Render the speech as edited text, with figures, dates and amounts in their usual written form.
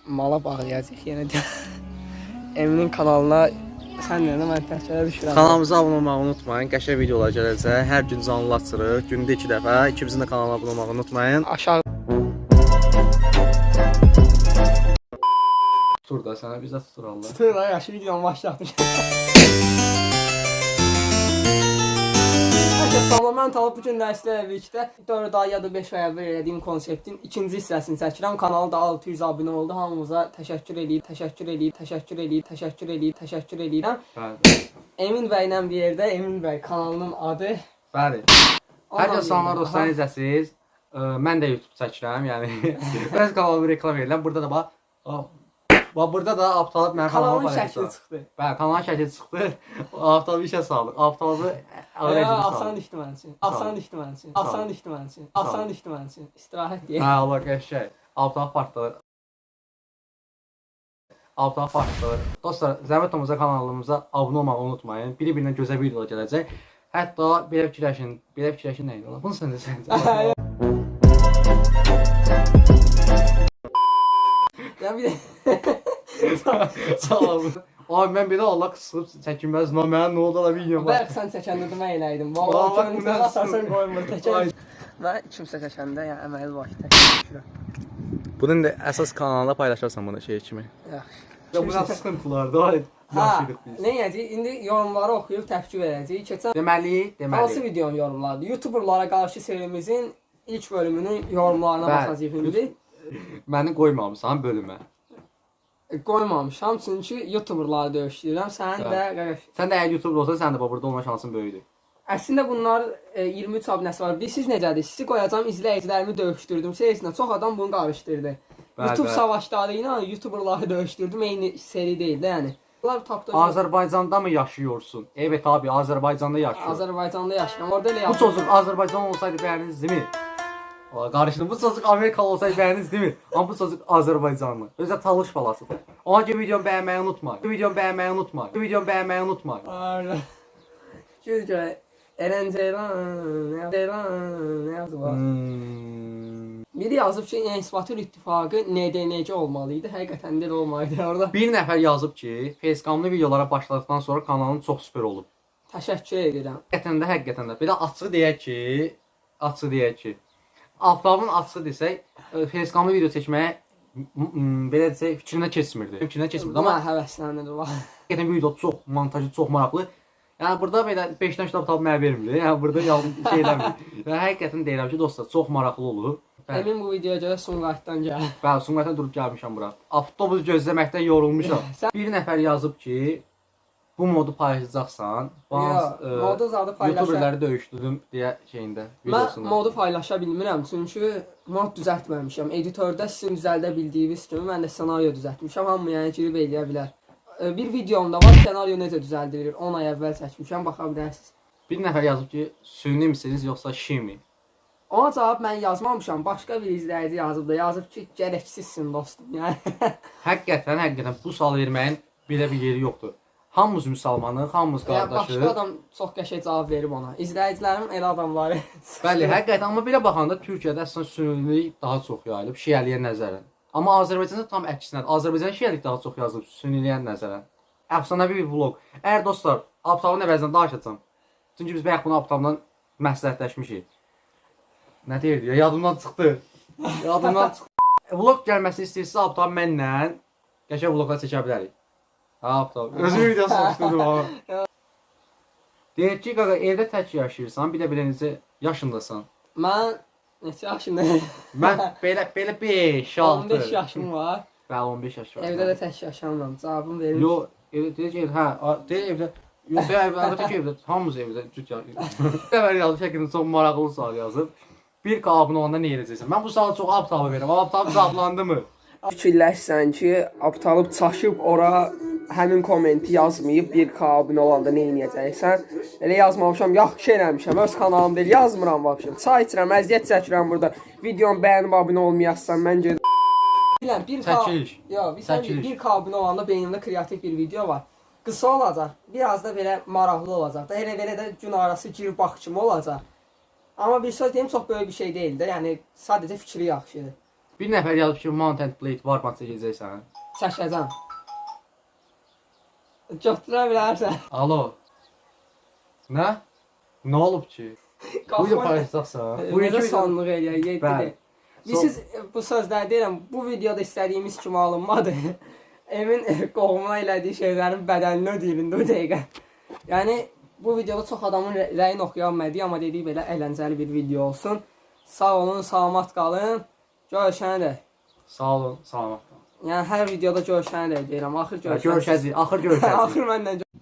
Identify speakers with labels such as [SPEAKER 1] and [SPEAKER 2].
[SPEAKER 1] mala bağlayacaq yenə də. Eminin kanalına sən də mən təkcə düşürəm.
[SPEAKER 2] Kanalımıza abunə olmağı unutmayın. Qəşəng videolar gələcək. Hər gün canlı açırıq. Gündə 2 dəfə. İkimizin də kanalına abunə olmağı unutmayın.
[SPEAKER 1] Aşağı
[SPEAKER 2] Tutur da sənə bizə tutur Allah.
[SPEAKER 1] tutur da yaxşı videonu başlatmış. Mən Talib bugün dərslə birlikdə 4 ay ya da 5 ay əvvəl elədiyim konseptin ikinci hissəsini çəkirəm. Kanalda da 600 abunə oldu. Hamımıza təşəkkür edirəm.
[SPEAKER 2] Bəli.
[SPEAKER 1] Emin bəylə bir yerdə, Emin bəy kanalının adı.
[SPEAKER 2] Bəli. Hər kəs salamlar dostlar, necəsiz? Mən də YouTube çəkirəm, yəni öz kanalımı reklam edirəm. Burada da bax, burada da Abtalib mənim kanalıma
[SPEAKER 1] Kanalın şəkli çıxdı.
[SPEAKER 2] Bəli, kanalın şəkli çıxdı. Abtalib işə saldı. Abtalibı
[SPEAKER 1] Asan düşdü mənim üçün. Asan düşdü mənim üçün. İstirahət deyək.
[SPEAKER 2] Hə, Allah qəşəng. Abtalib partladı. Dostlar, zəhmət olmasa kanalımıza abunə olmağı unutmayın. Biri-birindən gözəl videolar gələcək. Hətta belə fikirləşin nə idi ola? Bunu sən də sən.
[SPEAKER 1] Ya bir
[SPEAKER 2] Sağ olun. Ay mən belə Allah qısılıb çəkinməz. Mənə nə oldu da videom var.
[SPEAKER 1] Bəlkə sən çəkəndə də mən eləydim. Vallahi
[SPEAKER 2] bu
[SPEAKER 1] sən
[SPEAKER 2] nə
[SPEAKER 1] atarsan qoymur təkər. Və kimsə çəkəndə ya əməli var təkər.
[SPEAKER 2] Bunun da əsas kanalında paylaşarsan bunu şey kimi.
[SPEAKER 1] Yaxşı.
[SPEAKER 2] Ya bu nə sıxıntılardır.
[SPEAKER 1] Ha, nə edəcəyik? İndi yorumları oxuyub təfkür edəcəyik. Keçən
[SPEAKER 2] Deməli.
[SPEAKER 1] hansı videonun yorumlarıdır? YouTuberlara qarşı serimizin ilk bölümünün yorumlarına baxacağıq indi.
[SPEAKER 2] Məni qoymamısan bölümə.
[SPEAKER 1] Qoymamışam çünki YouTuberları döyüşdürürəm. Sənin də qardaş.
[SPEAKER 2] Sən də əgər YouTuber olsan, sən də burada olma şansın böyükdür.
[SPEAKER 1] Əslində bunlar 23 abunəsi var. Siz necədir? Sizi qoyacağam, izləyicilərimi döyüşdürdüm. Serisinə çox adam bunu qarışdırdı. YouTube savaşları ilə YouTuberları döyüşdürdüm. Eyni seri deyil də, yəni. Bunlar tapdı.
[SPEAKER 2] Azərbaycanda mı yaşıyorsun? Evet abi, Azərbaycanda yaşıyorum.
[SPEAKER 1] Azərbaycanda yaşayıram. Orada elə
[SPEAKER 2] Bu çocuk Azərbaycan olsaydı bəyərdiniz, değil mi? Qarışdım. Bu çocuk Amerikalı olsaydı bəyərdiniz, değil mi? Amma bu çocuk Azərbaycanlı. Özə talış balasıdır. Ona görə videomu bəyənməyi unutmayın.
[SPEAKER 1] Aynen. Çünki Eren Ceylan ne yazdı var? Biri yazıb ki, İnsibatül İttifaqı NDNC olmalıydı. Həqiqətən də olmalıydı orada.
[SPEAKER 2] Bir nəfər yazıb ki, Facecamlı videolara başladıqdan sonra kanalın çox süper olub.
[SPEAKER 1] Təşəkkür edirəm.
[SPEAKER 2] Həqiqətən də. Bir də açıq deyək ki, Abtalibin açıq desək, Facecamlı video çəkməyə belə desək, fikrinə keçmirdi.
[SPEAKER 1] Amma həvəslənir var.
[SPEAKER 2] Həqiqətən video çox montajı çox maraqlı. Yəni burada belə 5-dən kitab tapıb mənə vermir. Yəni burada şey eləmir. Yəni həqiqətən deyirəm ki, dostlar, çox maraqlı olur.
[SPEAKER 1] Emin bu videoya görə Sumqayıtdan gəlir.
[SPEAKER 2] Bəli, Sumqayıtdan durub gəlmişəm bura. Avtobus gözləməkdən yorulmuşam. Bir nəfər yazıb ki, bu modu paylaşacaqsan.
[SPEAKER 1] Modu zadı paylaşa.
[SPEAKER 2] YouTuberləri döyüşdürdüm deyə şeyində videosunda.
[SPEAKER 1] Mən modu paylaşa bilmirəm çünki mod düzəltməmişəm. Editördə sizin düzəldə bildiyiniz kimi mən də ssenariyo düzəltmişəm. Hamı yəni girib eləyə bilər. Bir videomda var, ssenariyo necə düzəldilir. 10 ay əvvəl çəkmişəm, baxa bilərsiniz.
[SPEAKER 2] Bir nəfər yazıb ki, süni misiniz yoxsa şimi?
[SPEAKER 1] Ona cavab mən yazmamışam. Başqa bir izləyici yazıb da. Yazıb ki, gərəksizsin dostum. Yəni
[SPEAKER 2] Həqiqətən bu sual verməyin belə bir yeri yoxdur. Hamımız müsəlmanıq, hamımız qardaşıq.
[SPEAKER 1] Başqa adam çox qəşəng cavab verib ona. İzləyicilərim elə adamları.
[SPEAKER 2] Bəli, həqiqətən, amma belə baxanda Türkiyədə əslində sünilik daha çox yayılıb şiəliyə nəzərən. Amma Azərbaycanda tam əksinədir. Azərbaycan şiəlik daha çox yazılıb süniliyə nəzərən. Əfsanəvi bir vlog. Əgər dostlar, Abtalibin əvəzindən danışacağam. Çünki biz bayaq bunu Abtalibdən məsləhətləşmişik. Nə deyirdi ya? Yadımdan çıxdı. Vlog gəlməsini istəyirsə Abtalib mənlə qəşəng vloglar çəkə bilərik. Ha, Abtalib. Özümü videosu soruşdurdum ama. Deyir ki, qaqa, evdə tək yaşayırsan, bir də belə necə yaşındasan?
[SPEAKER 1] Mən neçə yaşındayım?
[SPEAKER 2] Mən belə 5, 6.
[SPEAKER 1] 15 yaşım var.
[SPEAKER 2] Bəli, 15 yaş var.
[SPEAKER 1] Evdə də tək yaşamıram. Cavabım verir.
[SPEAKER 2] Yox, deyir ki, deyir evdə. Yox, əlbəttə ki, evdə. Hamımız evdə cüt yaşayır. Dəvər yazıb şəklində çox maraqlı sual yazıb. Bir abunə olanda nə edəcəksən? Mən bu sualı çox Abtalibə verirəm. Abtalib cavablandı mı?
[SPEAKER 1] Fikirləşsən ki, Abtalib çaşıb ora həmin kommenti yazmayıb 1K abunə olanda nə edəcəksən? Elə yazmamışam, yaxşı eləmişəm, öz kanalım deyil, yazmıram vəbşəm. Çay içirəm, əziyyət çəkirəm burada. Videomu bəyənib abunə olmayassan, məncə bilən 1K abunə olanda beynimdə kreativ bir video var. Qısa olacaq, biraz da belə maraqlı olacaq da, elə də gün arası girib bax kimi olacaq. Amma bir söz deyim, çox böyük bir şey deyil də, yəni sadəcə fikri yaxşıdır.
[SPEAKER 2] Bir nəfər yazıb ki, Mountain Blade Warband çəkəcəksən.
[SPEAKER 1] Çəkəcəm. Götürə bilərsən.
[SPEAKER 2] Alo. Nə? Nə olub ki? Bu da paylaşacaqsan. Bu
[SPEAKER 1] Necə
[SPEAKER 2] iki
[SPEAKER 1] sonluq eləyək,
[SPEAKER 2] Bəli.
[SPEAKER 1] yetdi. Siz bu sözləri deyirəm, bu videoda istədiyimiz kimi alınmadı. Emin qohumuna elədiyi şeylərin bədəlini ödəyir indi o dəqiqə. Yəni bu videoda çox adamın rəyini oxuya bilmədik, amma dedik belə əyləncəli bir video olsun. Sağ olun, salamat qalın. Görüşənə dək.
[SPEAKER 2] Sağ olun, salamat qalın.
[SPEAKER 1] Yəni hər videoda görüşənə dək deyirəm. Axır görüşənə.
[SPEAKER 2] Görüşəcəyik, axır görüşəcəyik.
[SPEAKER 1] Axır məndən